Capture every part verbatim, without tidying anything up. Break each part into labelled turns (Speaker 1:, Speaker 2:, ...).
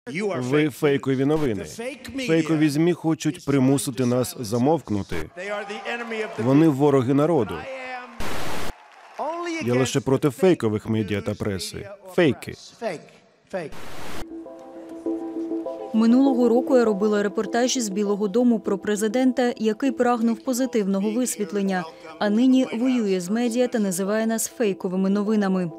Speaker 1: Ви фейкові новини. Фейкові ЗМІ хочуть примусити нас замовкнути. Вони вороги народу. Я лише проти фейкових медіа та преси. Фейки.
Speaker 2: Минулого року я робила репортаж із Білого дому про президента, який прагнув позитивного висвітлення, а нині воює з медіа та називає нас фейковими новинами.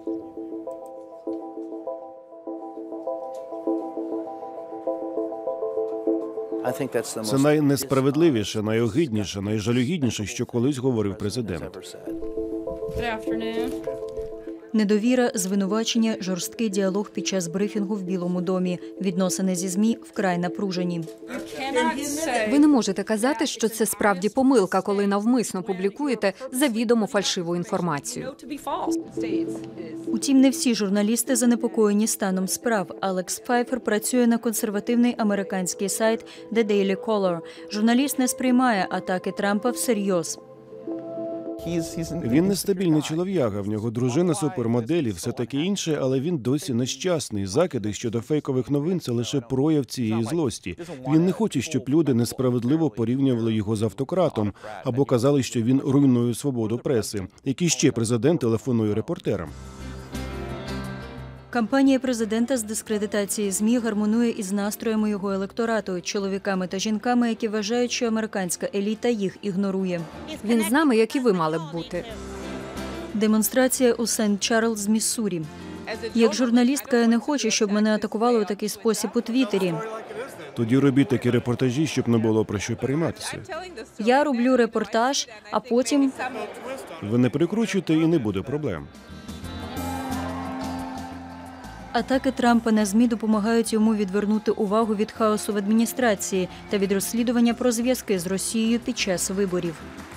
Speaker 1: Це найнесправедливіше, найогидніше, найжалюгідніше, що колись говорив президент.
Speaker 2: Недовіра, звинувачення, жорсткий діалог під час брифінгу в Білому домі. Відносини зі ЗМІ вкрай напружені.
Speaker 3: Ви не можете казати, що це справді помилка, коли навмисно публікуєте завідомо фальшиву інформацію.
Speaker 2: Утім, не всі журналісти занепокоєні станом справ. Алекс Пфайфер працює на консервативний американський сайт The Daily Caller. Журналіст не сприймає атаки Трампа всерйоз.
Speaker 1: Він нестабільний чолов'яга, в нього дружина супермоделі, все таке інше, але він досі нещасний. Закиди щодо фейкових новин – це лише прояв цієї злості. Він не хоче, щоб люди несправедливо порівнювали його з автократом або казали, що він руйнує свободу преси. Який ще президент телефонує репортерам?
Speaker 2: Кампанія президента з дискредитації ЗМІ гармонує із настроями його електорату – чоловіками та жінками, які вважають, що американська еліта їх ігнорує.
Speaker 3: Він з нами, як і ви мали б бути.
Speaker 2: Демонстрація у Сент-Чарльз, Міссурі. Як журналістка, я не хочу, щоб мене атакували у такий спосіб у Твіттері.
Speaker 1: Тоді робіть такі репортажі, щоб не було про що перейматися.
Speaker 2: Я роблю репортаж, а потім…
Speaker 1: Ви не перекручуйте і не буде проблем.
Speaker 2: Атаки Трампа на ЗМІ допомагають йому відвернути увагу від хаосу в адміністрації та від розслідування про зв'язки з Росією під час виборів.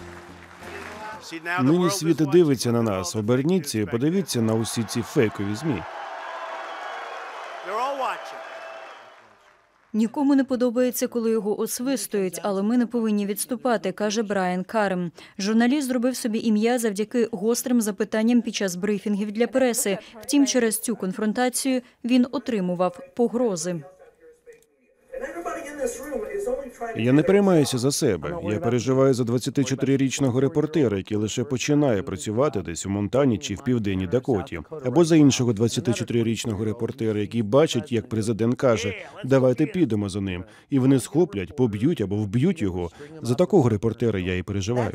Speaker 1: Нині світ дивиться на нас. Оберніться і подивіться на усі ці фейкові ЗМІ.
Speaker 2: Нікому не подобається, коли його освистують, але ми не повинні відступати, каже Брайан Карем. Журналіст зробив собі ім'я завдяки гострим запитанням під час брифінгів для преси. Втім, через цю конфронтацію він отримував погрози.
Speaker 1: Я не переймаюся за себе. Я переживаю за двадцятичотирирічного репортера, який лише починає працювати десь у Монтані чи в Південній Дакоті. Або за іншого двадцятичотирирічного репортера, який бачить, як президент каже, давайте підемо за ним. І вони схоплять, поб'ють або вб'ють його. За такого репортера я і переживаю.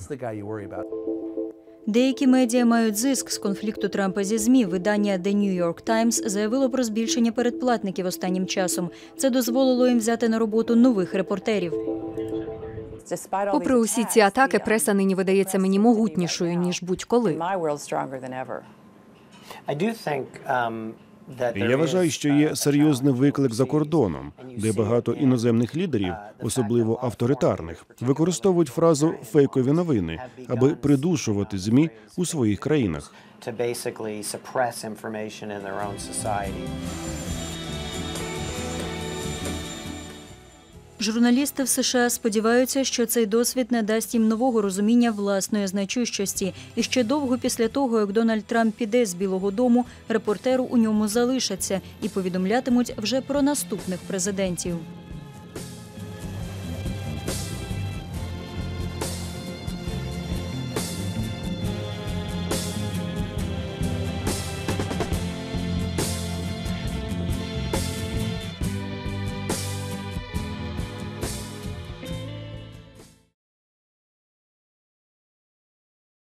Speaker 2: Деякі медіа мають зиск з конфлікту Трампа зі ЗМІ. Видання The New York Times заявило про збільшення передплатників останнім часом. Це дозволило їм взяти на роботу нових репортерів.
Speaker 3: Попри усі ці атаки, преса нині видається мені могутнішою, ніж будь-коли.
Speaker 1: Я вважаю, що є серйозний виклик за кордоном, де багато іноземних лідерів, особливо авторитарних, використовують фразу «фейкові новини», аби придушувати ЗМІ у своїх країнах.
Speaker 2: Журналісти в США сподіваються, що цей досвід надасть їм нового розуміння власної значущості. І ще довго після того, як Дональд Трамп піде з Білого дому, репортеру у ньому залишаться і повідомлятимуть вже про наступних президентів.